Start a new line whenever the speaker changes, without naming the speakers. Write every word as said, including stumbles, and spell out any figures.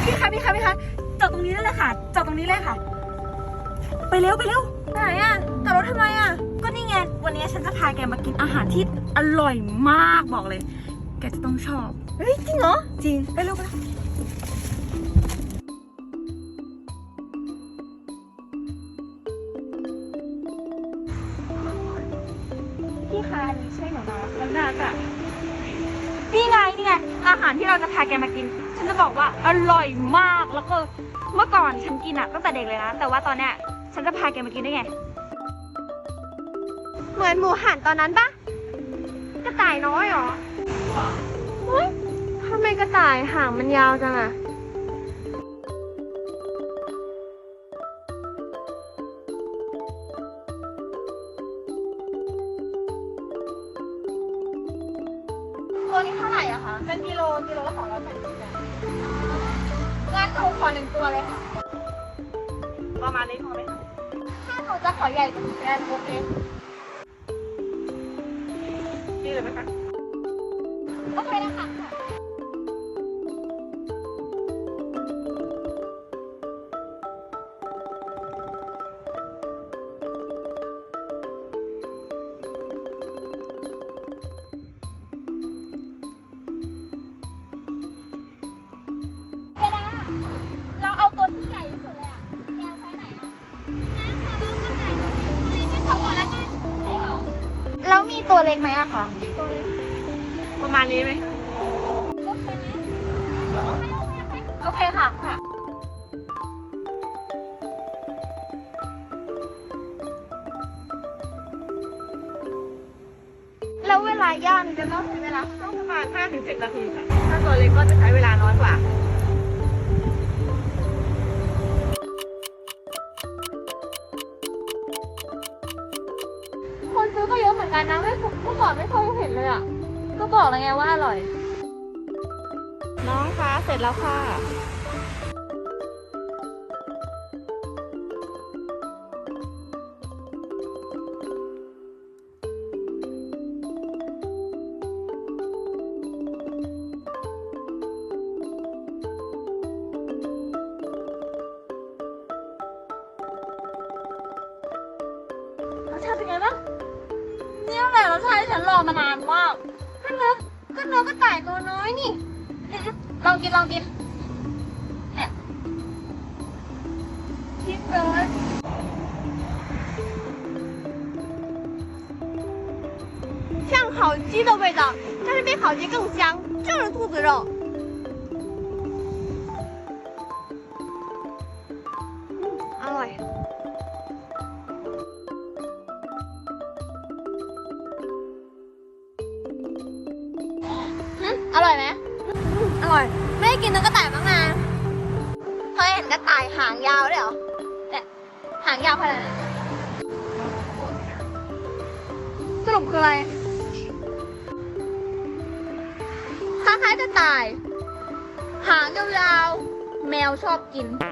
พี่คะพี่คะพี่คะจอดตรงนี้ได้เลยค่ะจอดตรงนี้เลยค่ะไปเร็วไปเร็วไหนอะจอดรถทำไมอะก็นี่ไงวันนี้ฉันจะพาแกมากินอาหารที่อร่อยมากบอกเลยแกจะต้องชอบเฮ้ยจริงเหรอจริงไปเร็วไปเร็วพี่คะนี่ใช่หนูนะมันน่าจะนี่ไงนี่ไงอาหารที่เราจะพาแกมากินฉันจะบอกว่าอร่อยมากแล้วก็เมื่อก่อนฉันกินอะตั้งแต่เด็กเลยนะแต่ว่าตอนเนี้ยฉันจะพาแกมากินได้ไง
เหมือนหมูหันตอนนั้นปะกระต่ายน้อยหรอเฮ้ยทำไมกระต่ายหางมันยาวจังอะตัวนี้เท่าไหร่อะคะเป็นกิโลกิโลละสองร้อยแปดสิบงั้นหนูขอหนึ่งตัวเลยค่ะ
ประมาณนี้พอไหมคะ
ถ้าหนูจะขอใหญ่กว่านี้ได้โอเค
นี่เลยไหมคะ
โอเคนะคะเราเอาตัวที่ใหญ่ที่สุดเลยอ่ะแกใช้ไหนอ่ะแล้วมีตัวเล็กไหมอะคะ
ประมาณนี้ไหม
โอเคค่ะค่ะแล้วเวลาย่างจะต้องใช้เวลา
ต้องประมาณ ห้าถึงเจ็ด นาทีค่ะถ้าตัวเล็กก็จะใช้เวลาน้อยกว่า
คนซื้อก็เยอะเหมือนกันนะไม่เมื่อก่อนไม่เคยเห็นเลยอ่ะก็บอกแล้วไงว่าอร่อย
น้องคะเสร็จแล้วค่ะ
รสชาติเป็นไงบ้างนี่แหละรสชาติที่ฉันรอมานานมากก็เนื้อก็เนื้อก็ไก่ตัวน้อยนี่ลองกินลองกินเนี่ยกินเลย像烤鸡的味道，但是比烤鸡更香，就是兔子肉。嗯，อร่อยอร่อยไหมอร่อยไม่ได้กินเนื้อกระต่ายบ้างนะเคยเห็นกระต่ายหางยาวด้วยเหรอเนี่ยหางยาวขนาดไหนสรุปคืออะไรคล้ายๆกระต่ายหางยาวๆแมวชอบกิน